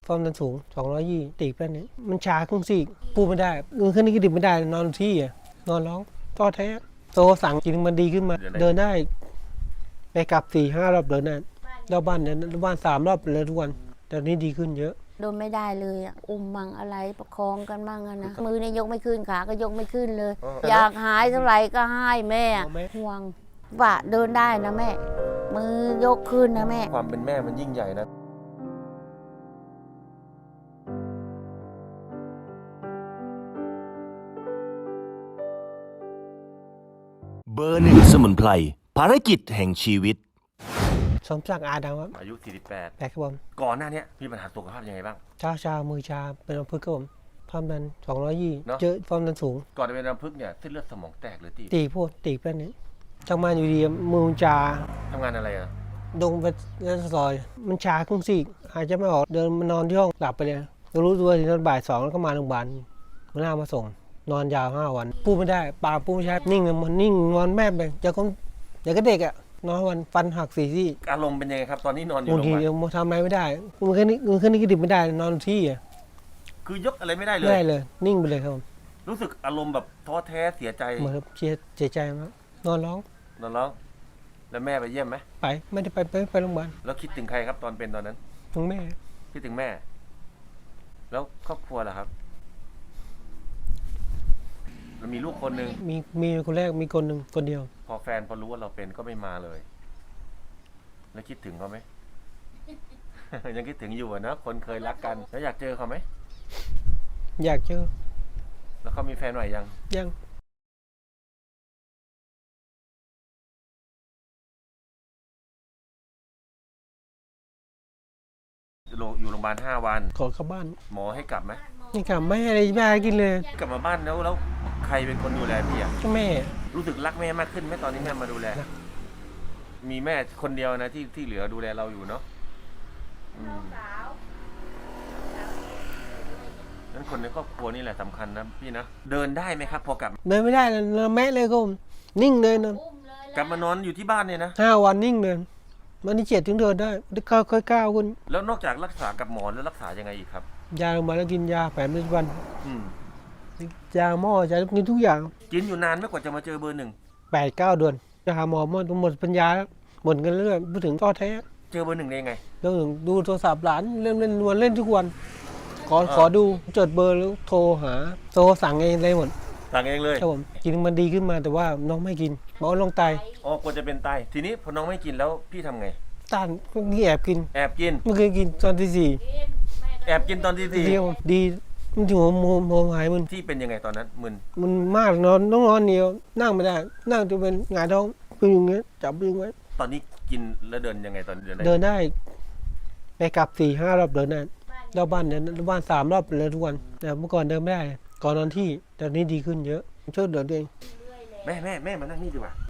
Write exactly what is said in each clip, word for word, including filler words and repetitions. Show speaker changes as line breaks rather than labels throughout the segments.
ความดันสูงสองร้อยยี่ตีบแล้วเนี่ยมันชาครึ่งซีกพูดไม่ได้เงินขึ้นนี่ก็ดิบไม่ได้นอนที่อ่ะนอนร้องท้อแท้โตสั่งกินมันดีขึ้นมาเดินได้ไปกลับสี่ห้ารอบเดินได้รอบบ้านเนี่ยรอบบ้านสามรอบเลยทุกวันแต่นี้ดีขึ้นเยอะ
โดนไม่ได้เลยอ่ะอุ้มมั่งอะไรประคองกันมั่งอะนะมือเนี่ยยกไม่ขึ้นขาก็ยกไม่ขึ้นเลย อยากหายเท่าไหร่ก็ให้แม่ห่วงว่าเดินได้นะแม่มือยกขึ้นนะแม่
ความเป็นแม่มันยิ่งใหญ่นะ
เบอร์หนึ่งสมุนไพรภารกิจแห่งชีวิต
สมศักดิ์อาดังครับ
อายุสี่สิบแปด
แปดครับผม
ก่อนหน้านี้มีปัญหาสุขภาพยังไงบ้าง
ชาชามือชาเป็นอัมพฤกษ์ครับผมความดันสองร้อยยี่เจอความดันสูง
ก่อนจะเป็นอัมพฤกษ์เนี่ยเส้นเลือดสมองแตกหรือตีบ
ตีพวกตีบแล้วเนี่ยทำงานอยู่ดีมือชา
ทำงานอะไรอ่ะ
ดงไปเล่นซอยมันชาครึ่งซีกหายใจไม่ออกเดินมานอนที่ห้องหลับไปเลยรู้ตัวทีตอนบ่ายสองแล้วก็มาโรงพยาบาลหัวหน้ามาส่งนอนยาวห้าวันพูดไม่ได้ปากพูดไม่ชัดนิ่งมันนิ่งนอนแม่ไปจะคนอย่างก็เด็กอ่ะนอนวันฟันหักสี่ซี่
อารมณ์เป็นยังไงครับตอนนี้นอนอยู่
บางทีทำอะไรไม่ได้มือแค่นี้มือแค่นี้ก็ดิบไม่ได้นอนที่อ่ะ
คือยกอะไรไม่ได้เลย
ไม่ได้เลยนิ่งไปเลยครับ
รู้สึกอารมณ์แบบท้อแท้เสียใจ
เหมือนเสียเสียใจมากนอนร้อง
นอนร้องแล้วแม่ไปเยี่ยมไหม
ไปไม่ได้ไปไปไปโรงพยาบาล
แล้วคิดถึงใครครับตอนเป็นตอนนั้น
ถึงแม่
คิดถึงแม่แล้วครอบครัวล่ะครับเรามีลูกคนหนึ่ง
มีมีคนแรกมีคนหนึ่งคนเดียว
พอแฟนพอรู้ว่าเราเป็นก็ไม่มาเลยแล้วคิดถึงเขาไหม ยังคิดถึงอยู่นะคนเคยรักกันแล้วอยากเจอเขาไหม
อยากเจอ
แล้วเขามีแฟนใหม่ยัง
ยัง
อยู่โรงพยาบาลห้าวัน
ขอกลับบ้าน
หมอให้กลับไหม
ไม่กลับไม่อะไรบ้ากินเลย
กลับมาบ้านแล้วแล้วใครเป็นคนดูแลพี่อ่ะ
แม่
รู้สึกรักแม่มากขึ้นไหมตอนนี้แม่มาดูแลมีแม่คนเดียวนะที่ที่เหลือดูแลเราอยู่เนาะนั้นคนในครอบครัวนี่แหละสำคัญนะพี่นะเดินได้ไหมครับพอกลับ
เดินไม่ได้เลยแม่เลยก็นิ่งเลยนะ
กลับมานอนอยู่ที่บ้านเนี่ยนะ
ห้าวันนิ่งเลยมันนี่เจ็ดถึงเดินได้ค่อยค่อยก้าวคุณ
แล้วนอกจากรักษากับหมอแล้วรักษายังไงอีกครับ
ยาลงมาแล้วกินยาแผนปัจจุบันยาหม้อยากินทุกอย่าง
กินอยู่นานไม่กว่าจะมาเจอเบอร์หนึ่ง
แปดเก้าเดือนจะหาหมอหมดหมดปัญญาหมดกันเรื่อยพูดถึงท้อแท้
เจอเบอร์หนึ่งได้ไง
เรื่องดูโทรศัพท์หลานเล่นเล่นวนเล่นทุกวันขอขอดูจดเบอร์แล้วโทรหาโทรสั่งเองเลยหมด
สั่งเองเลย
ครับผมกินมันดีขึ้นมาแต่ว่าน้องไม่กินหมอลงไต
อ๋อกลัวจะเป็นไตทีนี้พอน้องไม่กินแล้วพี่ทำไง
ต้านนี่แอบกิน
แอบกิน
เมื่อคืนกินตอนที่สี่
แอบกินตอนที่สี่
ดีมันถึงหัวหัวหายมึน
ที่เป็นยังไงตอนนั้นมึน
มันมากนอนต้องนอนเดียวนั่งไม่ได้นั่งจะเป็นหงายท้องเป็นอย่างเงี้ยจับดึงไว้
ตอนนี้กินแล้วเดินยังไงตอนเดินได้
เดินได้ไปกลับสี่ห้ารอบเดินได้รอบบ้านเนี่ยรอบบ้านสามรอบเลยทุกวันแต่เมื่อก่อนเดินไม่ได้ก่อนนอนที่แต่นี้ดีขึ้นเยอะช่วยเดินเอง
แม่แม่แม่มานั่งนี่ดีกว่า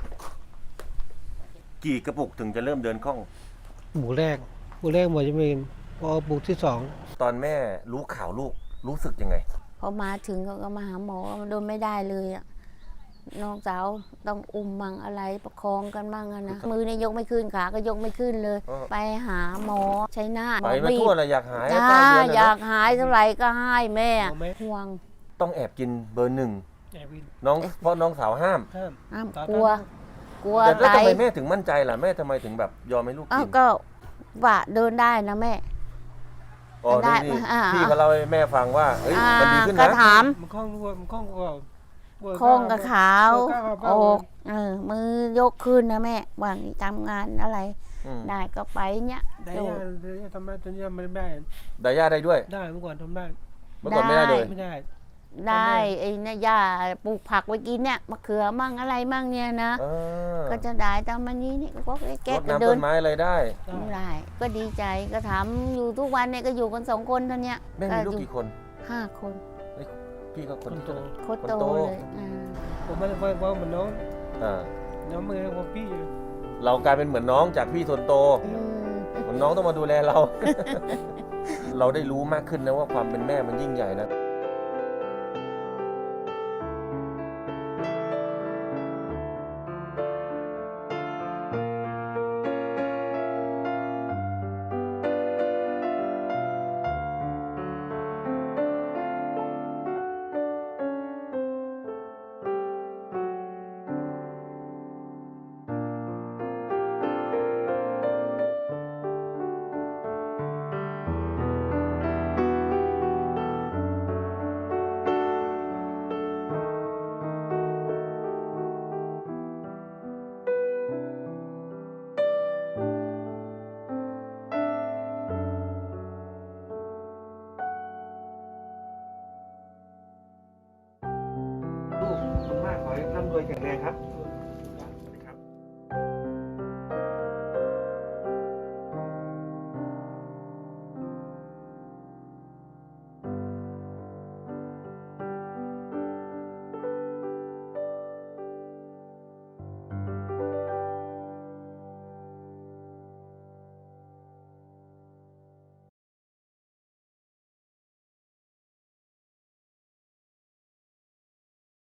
กี่กระปุกถึงจะเริ่มเดินคล่อง
บุกแรกบุกแรกหมดจะเป็นพอบุกที่สอง
ตอนแม่รู้ข่าวลูกรู้สึกยังไง
พอมาถึงเขาก็มาหาหมอโดนไม่ได้เลยอ่ะน้องสาวต้องอุ้มมั่งอะไรประคองกันมั่งอะนะมือเนี่ยยกไม่ขึ้นขาก็ยกไม่ขึ้นเลยไปหาหมอใช้หน้า
ไปมาทั่วเลยอยากหาย
จ้าอยากหายเท่าไหร่ก็ให้แม่ห่วง
ต้องแอบกินเบอร์หนึ่งน้องเพราะน้องสาวห้าม
ห้ามกลัวกลัว
แต่ทำไมแม่ถึงมั่นใจล่ะแม่ทำไมถึงแบบยอมให้ลูกกิน
ก็ว่าเดินได้นะแม่
อ๋อนี่พี่เขาเล่าให้แม่ฟังว่าเฮ้ยมันดีขึ้นนะ
ก็ถาม
มันคล่องด้วยมันคล่องกว่า
โค้งกับขาวอกเออมือยกขึ้นนะแม่ว่างทำงานอะไรได้ก็ไปเนี้ย
ได้ยาได้ทำได้ตอนนี้ไม่ได้
ได้ยาได้ด้วย
ได้เมื่อก่อนทำได้
เมื่อก่อนไม่ได้เลย
ไม่ได้
ได้ไอ้นี่ย่าปลูกผักไว้กินเนี่ยมะเขือมั่งอะไรมั่งเนี่ยนะก็จะได้ตามมันนี้นี่ก็แก้
ก็เดินต้นไม้อะไรได้
ได้ก็ดีใจก็ถามอยู่ทุกวันเนี่ยก็อยู่กันสองคนเท่านี้
แม่มีลูกกี่คน
ห้าคน
พี่ก็คนโต
คนโตเลย
ผมไม่ได้ว่าเหมือนน้องน้องไม่ได้ว่าพี่
เรากลายเป็นเหมือนน้องจากพี่คนโตเหมือนน้องต้องมาดูแลเราเราได้รู้มากขึ้นนะว่าความเป็นแม่มันยิ่งใหญ่นะ